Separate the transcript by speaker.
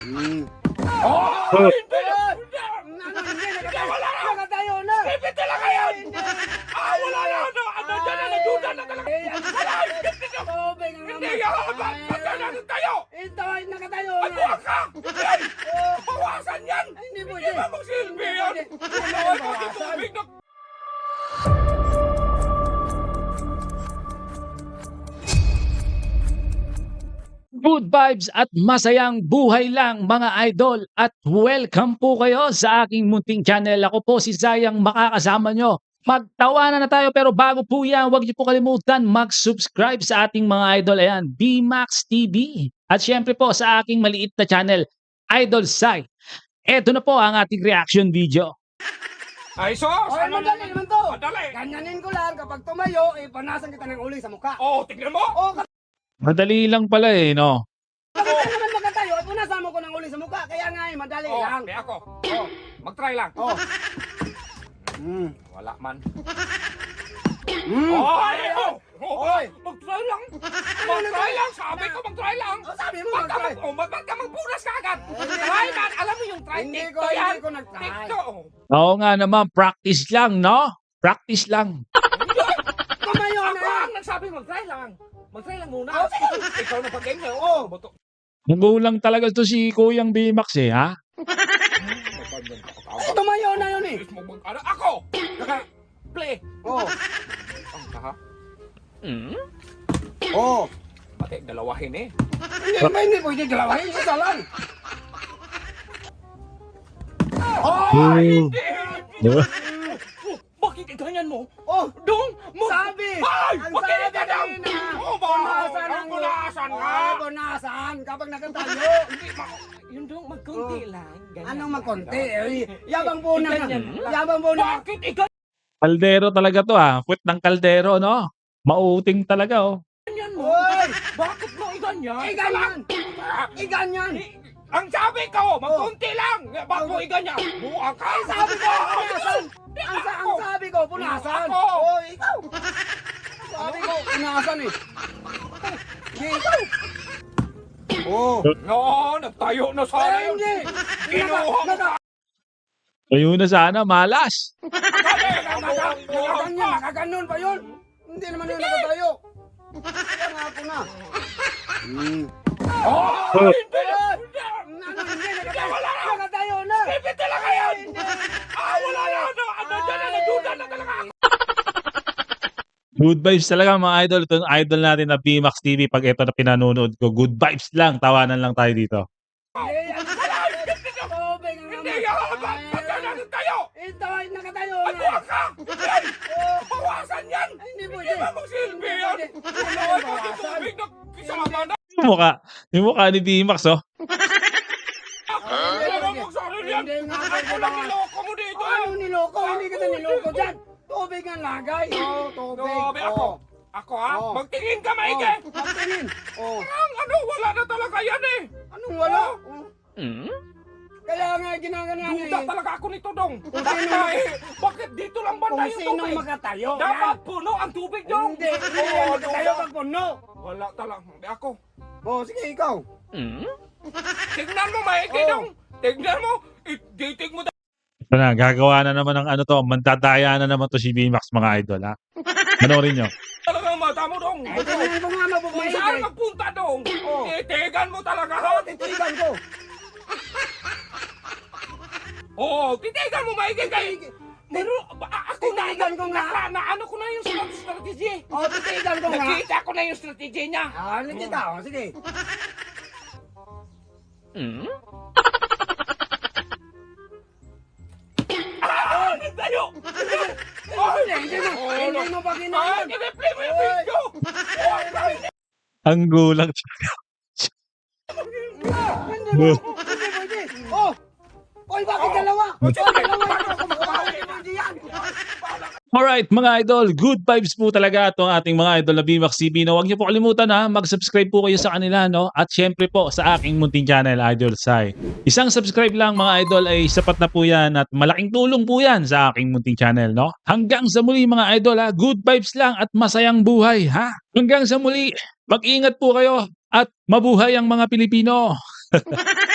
Speaker 1: Hmm.
Speaker 2: Oh!
Speaker 1: Oh.
Speaker 2: Hindi!
Speaker 1: Wala na!
Speaker 2: Nakatayo na!
Speaker 1: Pipit talaga yan! Wala na! Nandiyan na, nagduda na talaga! Wala! Hindi na!
Speaker 2: Tubig ang
Speaker 1: Hindi! Ba't natin tayo?
Speaker 2: Ito ay nakatayo
Speaker 1: Ano
Speaker 2: na!
Speaker 1: ka? Bawasan yan!
Speaker 2: Hindi po,
Speaker 1: Hindi ba magsilbi yan? Wala na tubig na...
Speaker 3: Good vibes at masayang buhay lang mga idol at welcome po kayo sa aking munting channel. Ako po si Zayang makakasama nyo. Magtawanan na tayo pero bago po yan, huwag niyo po kalimutan mag-subscribe sa ating mga idol. Ayan, BMax TV. At syempre po sa aking maliit na channel, Idol Sai. Eto na po ang ating reaction video.
Speaker 1: Ay, sos!
Speaker 2: Ay, madali naman to!
Speaker 1: Madali!
Speaker 2: Ganyanin ko lang kapag tumayo, panasan kita ng uling sa mukha.
Speaker 1: Oh, tignan mo!
Speaker 2: O, kapag
Speaker 3: Madali lang pala eh, no?
Speaker 2: naman makatayo, punasan mo ko ng uling sa mukha. Kaya nga madali
Speaker 1: Oh,
Speaker 2: lang.
Speaker 1: may ako.
Speaker 2: Oh,
Speaker 1: Mag-try lang.
Speaker 2: oh. Hmm.
Speaker 1: Wala man.
Speaker 2: Hmm.
Speaker 1: Oh, ay, oh!
Speaker 2: Oy.
Speaker 1: Mag-try lang! Mag-try lang! Sabi ko mag-try lang!
Speaker 2: Oh, sabi mo
Speaker 1: Ba't ka
Speaker 2: mag-try.
Speaker 1: ba't ka magpunas ka agad? Try man! Alam mo yung try?
Speaker 2: Hindi
Speaker 1: TikTok
Speaker 2: ko-
Speaker 1: yan!
Speaker 2: hindi ko nag-try.
Speaker 1: TikTok! oh.
Speaker 3: Oo nga naman, practice lang, no? Practice lang.
Speaker 2: Tumayo
Speaker 1: Ako
Speaker 2: na!
Speaker 1: ang nagsabi mag-try lang! Mag-try lang muna!
Speaker 2: Oh, sige.
Speaker 1: Ikaw na pag-game niya!
Speaker 2: Oh.
Speaker 1: Buto.
Speaker 3: Nagulang talaga to si Kuyang BMax eh, ha?
Speaker 2: Tumayo na yun eh!
Speaker 1: Ano? Ako! Play!
Speaker 2: Oh,
Speaker 1: Ang kaha?
Speaker 2: oh.
Speaker 1: Pati dalawahin eh.
Speaker 2: Hindi pwede dalawahin, isa lang.
Speaker 1: Oh! Hindi!
Speaker 3: Diba?
Speaker 1: Bakit ganyan mo?
Speaker 2: Oh,
Speaker 1: Dong!
Speaker 2: sabi!
Speaker 1: Ay!
Speaker 2: Ang
Speaker 1: Bakit
Speaker 2: sabi
Speaker 1: ganyan?
Speaker 2: kanina,
Speaker 1: Oh,
Speaker 2: punasan ang
Speaker 1: punasan nga!
Speaker 2: Oh, punasan kapag nakatayo.
Speaker 1: Hindi, yun dong, magkunti
Speaker 2: Oh.
Speaker 1: lang. Ganyan
Speaker 2: Anong
Speaker 1: lang.
Speaker 2: magkonti? Yabang po na.
Speaker 1: Ganyan lang.
Speaker 2: Yabang po na.
Speaker 1: Bakit ikaw
Speaker 3: Kaldero talaga to, ha? Puwet ng kaldero, no? Mauuting talaga, oh.
Speaker 1: ganyan mo?
Speaker 2: Oy!
Speaker 1: Bakit mo iganyan?
Speaker 2: Iganyan! Iganyan!
Speaker 1: Ang sabi ko, magkunti lang! Bakit mo iganyan? Buang ka!
Speaker 2: Ang sabi ko, punasan! Ang sabi ko, punasan!
Speaker 1: Ako!
Speaker 2: Oh, ikaw! Sabi ko, punasan eh. Hindi, ikaw! Oh!
Speaker 1: No, nagtayo na sana
Speaker 2: Ay,
Speaker 1: yun.
Speaker 2: hindi!
Speaker 1: Kinuha mo
Speaker 2: Naka-
Speaker 3: Ayun na sana, malas.
Speaker 2: Nakaganyan, nakaganon pa yun. Hindi naman yun nakatayo. Kaya nga ako na.
Speaker 1: Oh!
Speaker 3: Oh.
Speaker 1: Hindi!
Speaker 2: Hindi, nakatayo na.
Speaker 1: Pipit talaga yan! Wala na! Nandiyan na, nagduda na talaga ako!
Speaker 3: Good vibes talaga mga idol. Ito yung idol natin na BMax TV. Pag ito na pinanonood ko, good vibes lang. Tawanan lang tayo dito.
Speaker 2: Hindi, ang tubig ang
Speaker 1: Hindi!
Speaker 2: naman.
Speaker 1: Ba't ka natin tayo?
Speaker 2: Ito ay nakatayo
Speaker 1: Ano
Speaker 2: na.
Speaker 1: ka? Bawasan yan!
Speaker 2: Hindi
Speaker 1: Hindi
Speaker 2: pwede.
Speaker 1: ba magsilbi yan? Wala
Speaker 2: Hindi
Speaker 1: ka
Speaker 2: bawasan.
Speaker 1: tubig na kisama na!
Speaker 3: Yung mukha ni BMax, oh.
Speaker 1: Wala ba magsaril yan?
Speaker 2: Hindi nga,
Speaker 1: Ako lang niloko mo dito!
Speaker 2: Ano niloko? Hindi kita niloko dyan. Tubig ang lagay. Oh, tubig.
Speaker 1: Grabe ako!
Speaker 2: Oh.
Speaker 1: Ako ha?
Speaker 2: Oh.
Speaker 1: Magtingin ka maigi!
Speaker 2: Magtingin. Oh.
Speaker 1: Ang ano, wala na talaga yan eh!
Speaker 2: Anong wala? Oh. Kaya nga ginaganyan
Speaker 1: Duda
Speaker 2: eh.
Speaker 1: talaga ako nito, Dong!
Speaker 2: Kung
Speaker 1: Bakit
Speaker 2: sino-
Speaker 1: eh? Bakit dito lang banda
Speaker 2: Kung
Speaker 1: yung
Speaker 2: sinong
Speaker 1: tubig?
Speaker 2: makatayo.
Speaker 1: Dapat puno ang tubig, Dong!
Speaker 2: Hindi, hindi yan makatayo pag puno.
Speaker 1: Wala talaga. Hindi ako.
Speaker 2: Oh, sige ikaw.
Speaker 1: Tignan mo, maigi,
Speaker 2: Oh.
Speaker 1: Dong! Tignan mo! Ditig mo
Speaker 3: Ito na, gagawa na naman ng ano to. Mandadaya na naman to si BMax mga idol, ha? Panoorin nyo.
Speaker 1: talaga ang mata mo, Dong!
Speaker 2: Eh, tingnan ko nga
Speaker 1: Kung saan
Speaker 2: mabumaig.
Speaker 1: magpunta, Dong!
Speaker 2: Oh.
Speaker 1: Titigan mo talaga, ha?
Speaker 2: Titigan ko.
Speaker 1: Oo, titigan mo, maigi kayo! Pero ako
Speaker 2: Titigan ko nga.
Speaker 1: na ano ko na yung strategy.
Speaker 2: Oh, titigan ko nga.
Speaker 1: Nakita ko na yung strategy niya.
Speaker 2: Ah, nakita ko. Sige.
Speaker 1: Tayo!
Speaker 2: Hindi mo pa ginawan.
Speaker 1: i-replay mo yung video!
Speaker 3: Ang gulang.
Speaker 2: Hindi mo. Hindi pwede. Oh! Oy, bakit dalawa? Oy, dalawa yan. Hindi pwede yan.
Speaker 3: Alright mga idol, good vibes po talaga itong ating mga idol na BMax TV. No, huwag niyo po kalimutan ha, mag-subscribe po kayo sa kanila, no? At syempre po sa aking munting channel, Idol Sai. Isang subscribe lang mga idol ay sapat na po yan at malaking tulong po yan sa aking munting channel, no? Hanggang sa muli mga idol ha, good vibes lang at masayang buhay ha. Hanggang sa muli, mag-ingat po kayo at mabuhay ang mga Pilipino.